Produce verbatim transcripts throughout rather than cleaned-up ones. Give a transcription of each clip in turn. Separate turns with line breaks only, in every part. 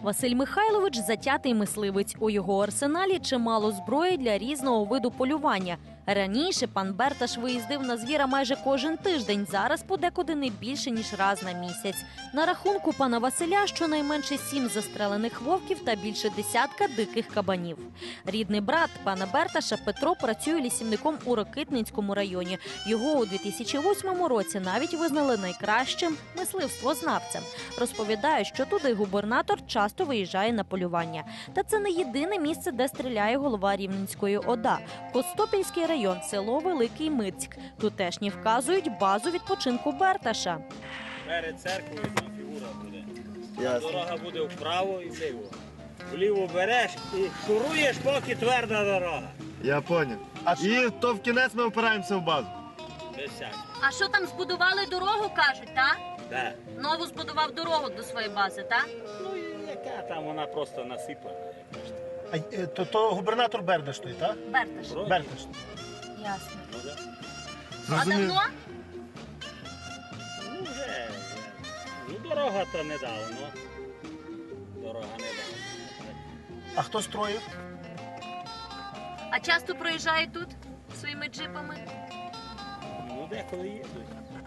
Василь Михайлович – затятий мисливець. У його арсеналі чимало зброї для різного виду полювання. Раніше пан Берташ виїздив на звіра майже кожен тиждень, зараз подекуди не більше, ніж раз на місяць. На рахунку пана Василя щонайменше сім застрелених вовків та більше десятка диких кабанів. Рідний брат пана Берташа Петро працює лісівником у Рокитницькому районі. Його у дві тисячі восьмому році навіть визнали найкращим мисливствознавцем. Розповідає, що туди губернатор часто виїжджає на полювання. Та це не єдине місце, де стріляє голова Рівненської ОДА. Костопільський район, село Великий Мицьк. Тутешні вказують базу відпочинку Берташа.
Перед церквою там фігура буде.
Ясно.
Дорога буде вправо і вліво. Вліво береш і шуруєш, поки тверда дорога.
Я поняв. А і то в кінець ми опираємося в базу.
Без всякого.
А що там, збудували дорогу, кажуть, так?
Да.
Нову збудував дорогу до своєї бази, так?
Ну і яка там вона просто насипана.
А, е, то, то губернатор Бердаш той, так?
Берташ.
Вроді.
Бердаш.
Ясно.
Ну, да.
А
Зрозумів.
давно?
Ну вже. Ну дорога то недавно. Дорога недавно.
А хто строїв?
А часто проїжджають тут своїми джипами?
Ну деколи їздять.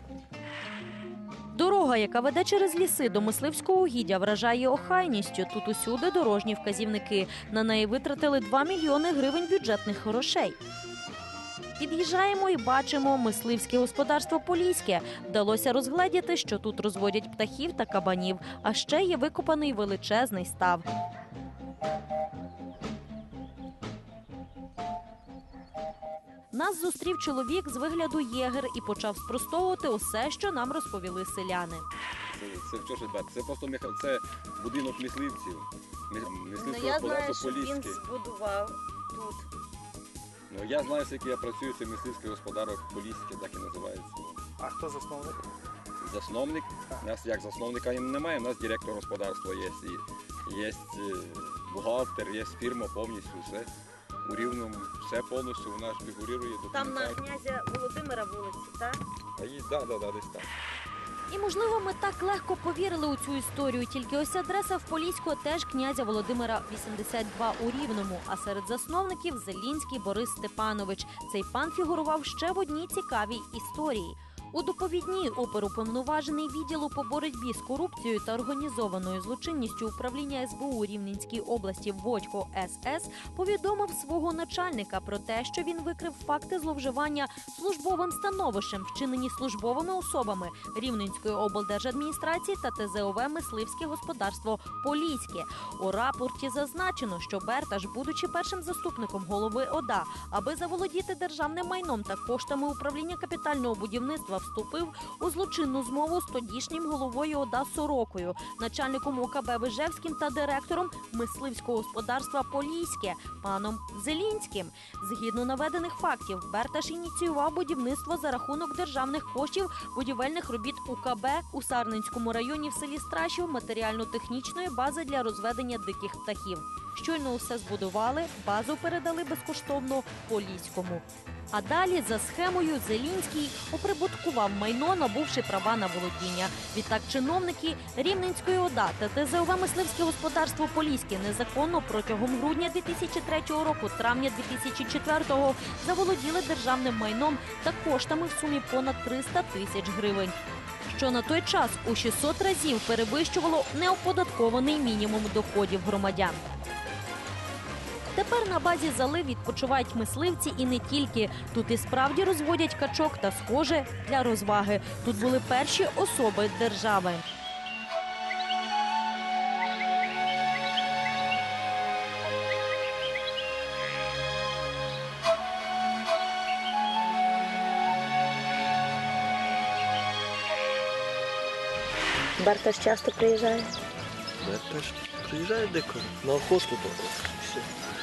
Дорога, яка веде через ліси до мисливського угіддя, вражає охайністю. Тут усюди дорожні вказівники. На неї витратили два мільйони гривень бюджетних грошей. Під'їжджаємо і бачимо мисливське господарство Поліське. Вдалося розгледіти, що тут розводять птахів та кабанів. А ще є викопаний величезний став. Нас зустрів чоловік з вигляду єгер і почав спростовувати усе, що нам розповіли селяни.
Це що ж ребята, це просто меха... це будинок мисливців. Мисливське
Ну, я знаю,
господарство
що він
Поліське.
збудував тут.
Ну я знаю, скільки я працюю, це мисливське господарство Поліське, так і називається.
А хто засновник?
Засновник. У нас як засновника немає, у нас директор господарства є. І є бухгалтер, є фірма повністю, все. У Рівному все повністю у нас фігурує.
Там на князя Володимира вулиці, так?
Так, да, да, да, десь так.
І, можливо, ми так легко повірили у цю історію, тільки ось адреса в Поліську теж князя Володимира вісімдесят два у Рівному, а серед засновників Зелінський Борис Степанович. Цей пан фігурував ще в одній цікавій історії. У доповідній оперуповноважений відділу по боротьбі з корупцією та організованою злочинністю управління ес бе у Рівненській області Водько ес ес повідомив свого начальника про те, що він викрив факти зловживання службовим становищем, вчинені службовими особами Рівненської облдержадміністрації та те зе о ве «Мисливське господарство Поліське». У рапорті зазначено, що Берташ, будучи першим заступником голови ОДА, аби заволодіти державним майном та коштами управління капітального будівництва, вступив у злочинну змову з тодішнім головою ОДА Сорокою, начальником о ка бе Вижевським та директором мисливського господарства Поліське паном Зелінським. Згідно наведених фактів, Берташ ініціював будівництво за рахунок державних коштів будівельних робіт у ка бе у Сарненському районі в селі Страшів матеріально-технічної бази для розведення диких птахів. Щойно усе збудували, базу передали безкоштовно Поліському. А далі за схемою Зелінський оприбуткував майно, набувши права на володіння. Відтак чиновники Рівненської ОДА та те зе о ве «Мисливське господарство Поліське» незаконно протягом грудня дві тисячі третього року, травня дві тисячі четвертого заволоділи державним майном та коштами в сумі понад триста тисяч гривень. Що на той час у шістсот разів перевищувало неоподаткований мінімум доходів громадян. Тепер на базі Залив відпочивають мисливці і не тільки. Тут і справді розводять качок та схоже для розваги. Тут були перші особи держави.
Берташ часто приїжджає?
Берташ приїжджає дико, на охоту то. Все.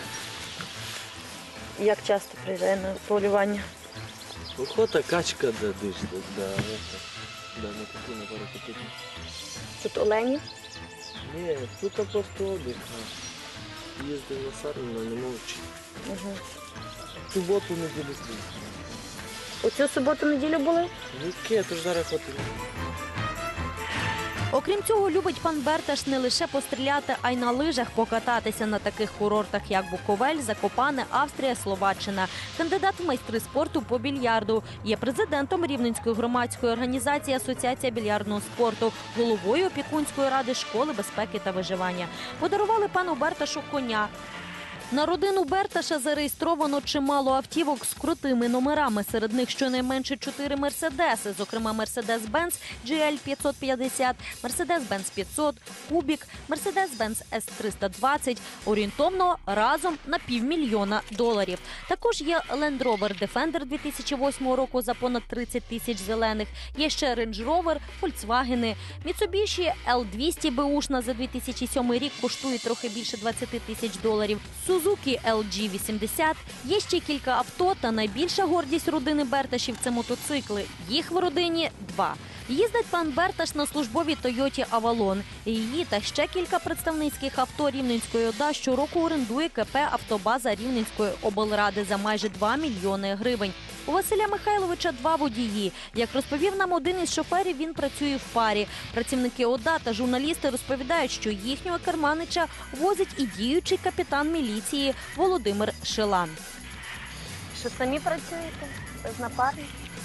Як часто приїжджає на полювання?
Охота, качка, да, десь, да, да, это, да, на таку, на пару таку.
Тут олені?
Ні, тут просто отдих. Їздив на Сарну, не мовчи.
Угу.
Суботу, неділю приїхав.
Ну, У цю суботу-неділю були?
Яке, то ж зараз охоти.
Окрім цього, любить пан Берташ не лише постріляти, а й на лижах покататися на таких курортах, як Буковель, Закопане, Австрія, Словаччина. Кандидат в майстри спорту по більярду. Є президентом Рівненської громадської організації Асоціація більярдного спорту, головою опікунської ради школи безпеки та виживання. Подарували пану Берташу коня. На родину Берташа зареєстровано чимало автівок з крутими номерами. Серед них щонайменше чотири мерседеси, зокрема Мерседес-Бенц джі ель п'ятсот п'ятдесят, Мерседес-Бенц п'ятсот, Кубік, Мерседес-Бенц ес триста двадцять, орієнтовно разом на півмільйона доларів. Також є Land Rover Defender дві тисячі восьмого року за понад тридцять тисяч зелених, є ще Range Rover, Volkswagen, Mitsubishi ел двісті беушна за дві тисячі сьомий рік коштує трохи більше двадцять тисяч доларів. Suzuki ел джі вісімдесят. Є ще кілька авто, та найбільша гордість родини Берташів – це мотоцикли. Їх в родині два. Їздить пан Берташ на службовій Тойоті Авалон. Її та ще кілька представницьких авто Рівненської ОДА щороку орендує ка пе «Автобаза» Рівненської облради за майже два мільйони гривень. У Василя Михайловича два водії. Як розповів нам один із шоферів, він працює в парі. Працівники ОДА та журналісти розповідають, що їхнього керманича возить і діючий капітан міліції Володимир Шилан.
Що самі працюєте? Без напарників?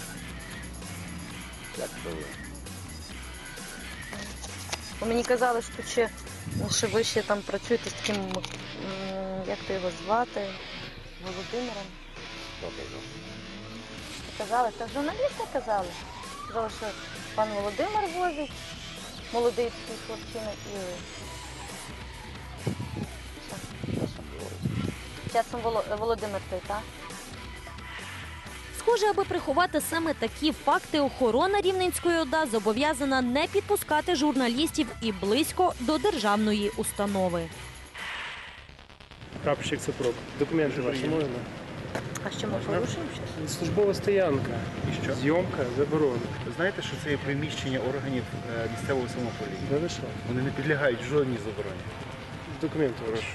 Як то ви?
Бо мені казали, що ще, що ви ще там працюєте з таким, м, як то його звати, Володимиром.
Добре, добре.
Казали, так журналісти казали. Казали, що пан Володимир возить, молодий такий хлопчина і... Часом Воло- Володимир той, так?
Схоже, аби приховати саме такі факти, охорона Рівненської ОДА зобов'язана не підпускати журналістів і близько до державної установи.
Прапорщик Цепрок. Документи ваші можна?
А що ми порушуємо щось?
Службова стоянка.
І що?
Зйомка заборонена.
Ви знаєте, що це є приміщення органів е, місцевого самоуправління?
Да ви що?
Вони не підлягають жодній забороні.
Документи ваші.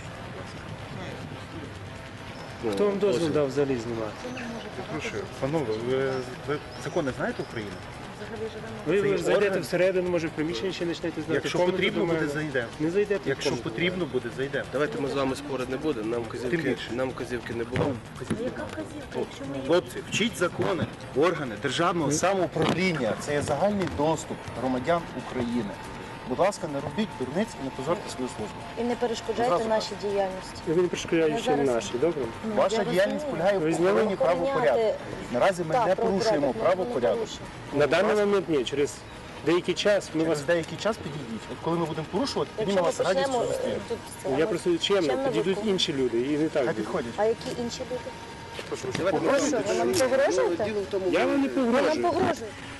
Хто вам дозвіл дав взагалі знімати?
Прошу, панове, ви, ви закони знаєте України?
Ви,
Це
ви
є
зайдете
орган.
всередину, може в приміщенні ще почнете знати.
Якщо
комнату
потрібно
до
буде,
мене.
зайдемо.
Не зайдете. в
Якщо
комнату.
потрібно буде, зайдемо.
Давайте ми з вами спорити не будемо, нам
Тим
вказівки,
більше.
нам вказівки не було.
Хлопці, вчіть закони, органи державного самоуправління. Це є загальний доступ громадян України. Будь ласка, не робіть дурниць і не позорте свою службу.
І не перешкоджайте
Зразу
нашій діяльності.
Ви не перешкоджаєте
Я
ще
зараз-
наші, добре?
Ну,
Ваша
я
діяльність
розумію.
полягає
Ви
в
зняли?
охороні правопорядку.
Охороняти-
Наразі ми
Так,
не
правопорядок
порушуємо
ми не
правопорядок.
порушуємо.
На даний момент ні, через деякий час ми вас...
Через деякий час підійдіть. От коли ми будемо порушувати, тоді ми
Якщо ми
вас радістю
почнемо
зустрінемо.
е, тут це,
Я
ми-
просто чемно,
чемно
підійдуть
виконуємо.
інші люди і не так
Хай
буде.
підходять.
А які інші люди?
Давайте
Ви що, ви нам погрожуєте?
Діло в тому,
Я вам не
Ви нам
погрожую.
погрожуєте?